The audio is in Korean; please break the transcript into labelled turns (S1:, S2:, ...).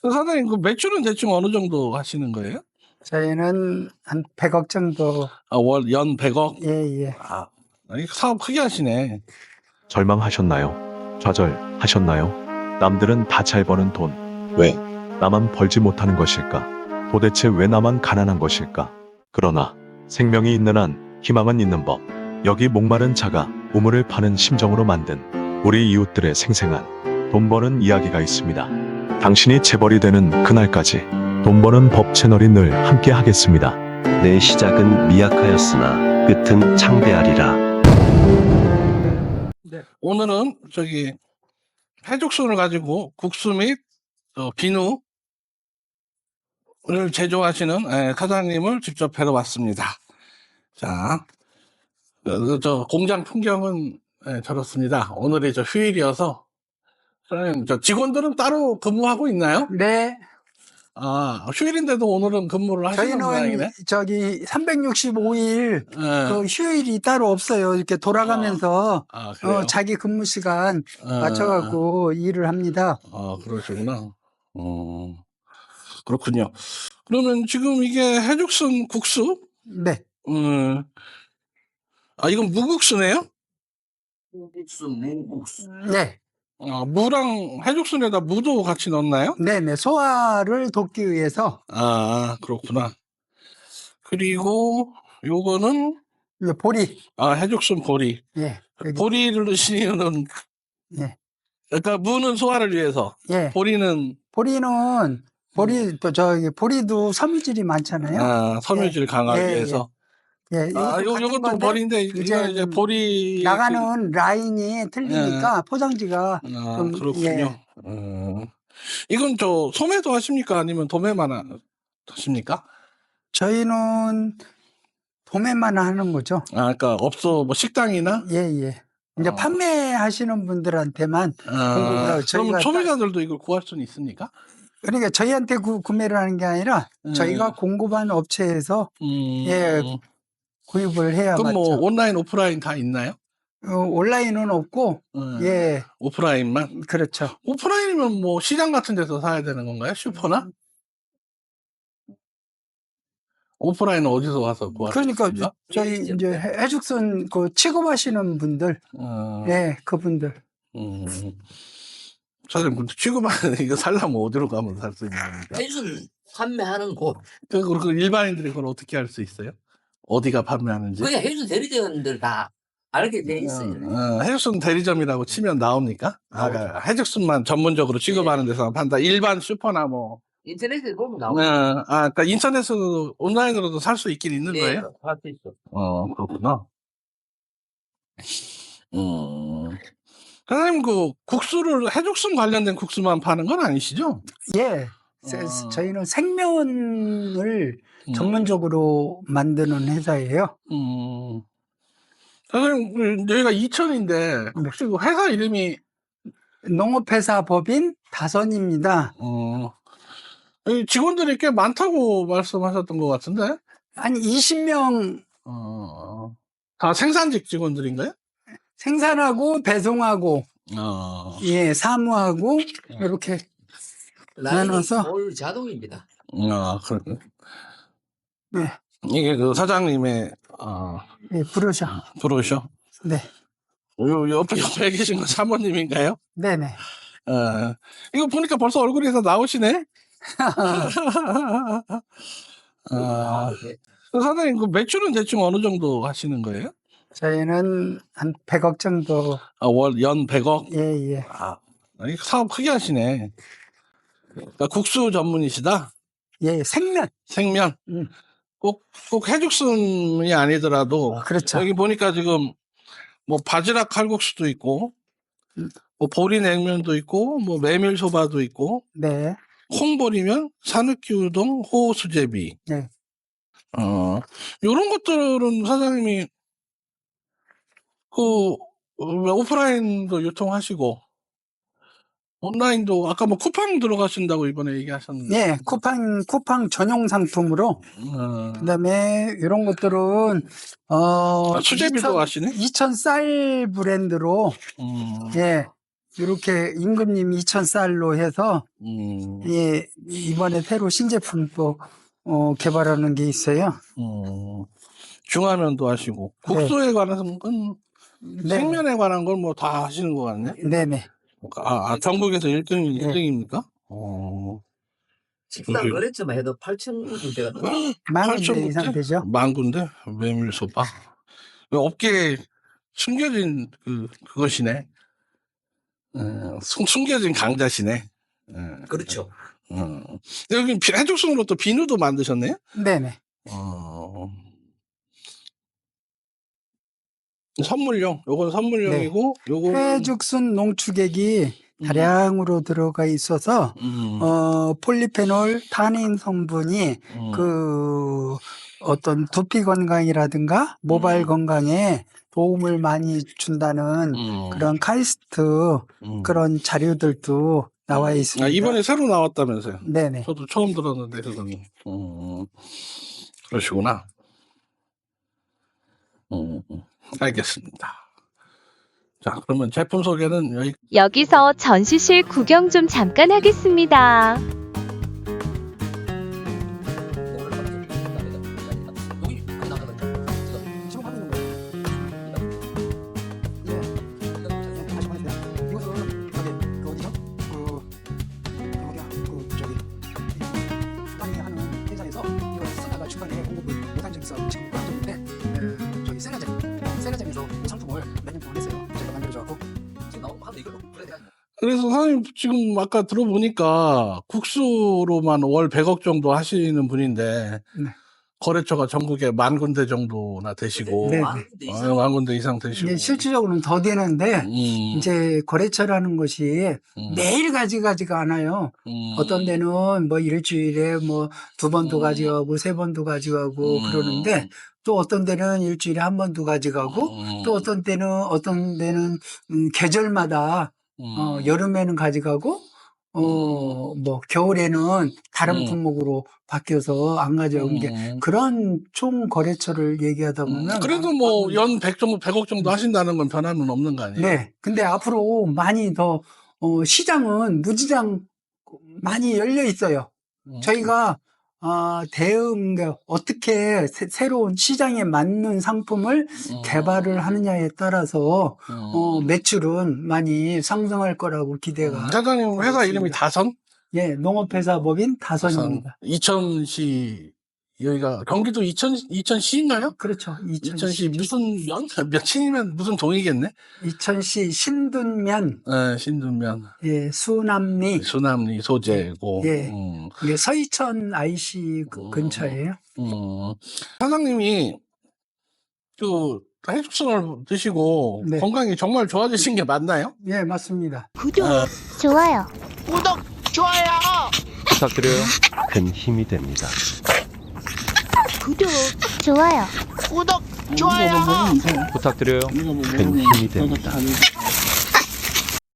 S1: 사장님, 그 매출은 대충 어느 정도 하시는 거예요?
S2: 저희는 한 100억 정도.
S1: 연 100억?
S2: 예.
S1: 사업 크게 하시네.
S3: 절망하셨나요? 좌절하셨나요? 남들은 다 잘 버는 돈. 왜 나만 벌지 못하는 것일까? 도대체 왜 나만 가난한 것일까? 그러나 생명이 있는 한 희망은 있는 법. 여기 목마른 자가 우물을 파는 심정으로 만든 우리 이웃들의 생생한 돈 버는 이야기가 있습니다. 당신이 재벌이 되는 그날까지 돈 버는 법 채널이 늘 함께 하겠습니다.
S4: 내 시작은 미약하였으나 끝은 창대하리라.
S1: 오늘은 해죽순을 가지고 국수 및 비누를 제조하시는 사장님을 직접 뵈러 왔습니다. 자, 공장 풍경은 저렇습니다. 오늘이 휴일이어서 사장님, 직원들은 따로 근무하고 있나요?
S2: 네.
S1: 휴일인데도 오늘은 근무를 하시는 모양이네.
S2: 저희는 365일
S1: 네.
S2: 그 휴일이 따로 없어요. 이렇게 돌아가면서
S1: 그래요?
S2: 자기 근무 시간 맞춰갖고 일을 합니다.
S1: 그러시구나. 그렇군요. 그러면 지금 이게 해죽순 국수?
S2: 네.
S1: 이건 무국수네요?
S4: 무국수.
S2: 네.
S1: 무랑 해죽순에다 무도 같이 넣나요?
S2: 네네. 소화를 돕기 위해서.
S1: 그렇구나. 그리고 요거는
S2: 보리.
S1: 해죽순 보리.
S2: 예.
S1: 보리를 넣으신 이유는
S2: 예.
S1: 그러니까 무는 소화를 위해서.
S2: 예.
S1: 보리는
S2: 보리도 섬유질이 많잖아요.
S1: 섬유질 강화를 위해서.
S2: 예.
S1: 요것도 보리인데 이제 보리
S2: 나가는 라인이 틀리니까 포장지가 좀,
S1: 그렇군요. 이건 소매도 하십니까? 아니면 도매만 하십니까?
S2: 저희는 도매만 하는 거죠.
S1: 그러니까 식당이나?
S2: 예. 이제 판매하시는 분들한테만 공급을 하고
S1: 그러면 소비자들도 이걸 구할 수는 있습니까?
S2: 그러니까 저희한테 구매를 하는 게 아니라 저희가 공급하는 업체에서 구입을 해야
S1: 그럼
S2: 맞죠.
S1: 온라인, 오프라인 다 있나요?
S2: 온라인은 없고
S1: 오프라인만?
S2: 그렇죠.
S1: 오프라인이면 시장 같은 데서 사야 되는 건가요? 슈퍼나? 오프라인은 어디서 와서 구하십니까?
S2: 그러니까 저희 이제 해죽순 취급하시는 분들, 그분들.
S1: 사장님, 근데 취급하는 이거 살려면 어디로 가면 살 수 있는 겁니까?
S5: 해죽순 판매하는 곳.
S1: 그 일반인들이 그걸 어떻게 알 수 있어요? 어디가 판매하는지?
S5: 그냥 해죽순 대리점들 다 알게 돼 있어요.
S1: 해죽순 대리점이라고 치면 나옵니까? 해죽순만 전문적으로 취급하는 데서 판다. 일반 슈퍼나
S5: 인터넷에 보면 나오고.
S1: 그러니까 인터넷으로 온라인으로도 살 수 있긴 있는 거예요?
S5: 살 수 있어.
S1: 그렇구나. 사장님, 해죽순 관련된 국수만 파는 건 아니시죠?
S2: 예. 저희는 생면을 전문적으로 만드는 회사예요.
S1: 사장님, 여기가 이천인데 혹시 그 회사 이름이?
S2: 농업회사 법인 다선입니다.
S1: 직원들이 꽤 많다고 말씀하셨던 것 같은데?
S2: 한 20명
S1: 다 생산직 직원들인가요?
S2: 생산하고 배송하고 사무하고 이렇게 나눠서
S5: 올 자동입니다.
S1: 그렇군요.
S2: 네.
S1: 이게 그 사장님의 브로셔?
S2: 네.
S1: 옆에 계신 건 사모님인가요?
S2: 네네.
S1: 이거 보니까 벌써 얼굴에서 나오시네? 사장님, 그 매출은 대충 어느 정도 하시는 거예요?
S2: 저희는 한 100억 정도.
S1: 연 100억?
S2: 예.
S1: 이거 사업 크게 하시네. 그러니까 국수 전문이시다?
S2: 예, 생면.
S1: 꼭 해죽순이 아니더라도.
S2: 그렇죠.
S1: 여기 보니까 지금 바지락 칼국수도 있고, 보리 냉면도 있고, 메밀소바도 있고,
S2: 네.
S1: 콩보리면,讃岐우동, 호수제비.
S2: 네.
S1: 요런 것들은 사장님이 오프라인도 유통하시고, 온라인도 아까 쿠팡 들어가신다고 이번에 얘기하셨는데.
S2: 네, 쿠팡 전용 상품으로. 그다음에 이런 것들은
S1: 수제비도 하시네?
S2: 이천 쌀 브랜드로 이렇게 임금님 2,000쌀로 해서 예, 이번에 새로 신제품 또 개발하는 게 있어요.
S1: 중화면도 하시고 국수에 관한 건
S2: 네.
S1: 생면에 관한 걸 뭐 다 하시는 것 같네.
S2: 네네.
S1: 전국에서 1등,
S2: 네.
S1: 1등입니까?
S5: 식당
S1: 그게-
S5: 거래처만 해도 8,000군데가 넘어요.
S2: 10,000군데 이상 되죠.
S1: 만 군데? 메밀소바. 업계에 숨겨진 그것이네. 숨겨진 강자시네.
S5: 그렇죠.
S1: 여기 해죽순으로 또 비누도 만드셨네요?
S2: 네네.
S1: 선물용. 요건 선물용이고, 요거는
S2: 해죽순 농축액이 다량으로 들어가 있어서 폴리페놀, 타닌 성분이 그 어떤 두피 건강이라든가 모발 건강에 도움을 많이 준다는 그런 카이스트 그런 자료들도 나와 있습니다.
S1: 이번에 새로 나왔다면서요?
S2: 네네.
S1: 저도 처음 들었는데, 그거는. 그러시구나. 알겠습니다. 자, 그러면 제품 소개는
S6: 여기서 전시실 구경 좀 잠깐 하겠습니다.
S1: 그래서 사장님 지금 아까 들어보니까 국수로만 월 100억 정도 하시는 분인데
S2: 네.
S1: 거래처가 전국에 10,000군데 정도나 되시고
S2: 네.
S1: 10,000군데 이상 되시고
S2: 이게 실질적으로는 더 되는데 이제 거래처라는 것이 매일 가지가지가 않아요. 어떤 데는 뭐 일주일에 뭐 2번도 가져가고 3번도 가져가고 그러는데 또 어떤 데는 일주일에 1번도 가져가고 또 어떤 데는 계절마다 여름에는 가져가고 뭐 겨울에는 다른 품목으로 바뀌어서 안 가져온 게 그런 총 거래처를 얘기하다 보면
S1: 그래도 뭐 연 100억 정도 하신다는 건 변함은 없는 거 아니에요?
S2: 네. 근데 앞으로 많이 더 시장은 무지장 많이 열려 있어요. 저희가 어떻게 새로운 시장에 맞는 상품을 개발을 하느냐에 따라서 매출은 많이 상승할 거라고 기대가.
S1: 사장님 회사 이름이 다선?
S2: 예, 농업회사법인 다선입니다.
S1: 이천시 여기가 경기도 이천시인가요?
S2: 그렇죠.
S1: 이천시 무슨 며칠이면 무슨 동이겠네?
S2: 이천시 신둔면,
S1: 네, 신둔면,
S2: 예, 수남리,
S1: 수남리 소재고.
S2: 예. 이게 서이천 IC 근처예요.
S1: 사장님이 그 해죽순을 드시고
S2: 네.
S1: 건강이 정말 좋아지신 게 맞나요?
S2: 예, 맞습니다.
S6: 좋아요.
S4: 부탁드려요. 큰 힘이 됩니다.
S6: 좋아요.
S4: 부탁드려요. 큰 힘이 됩니다.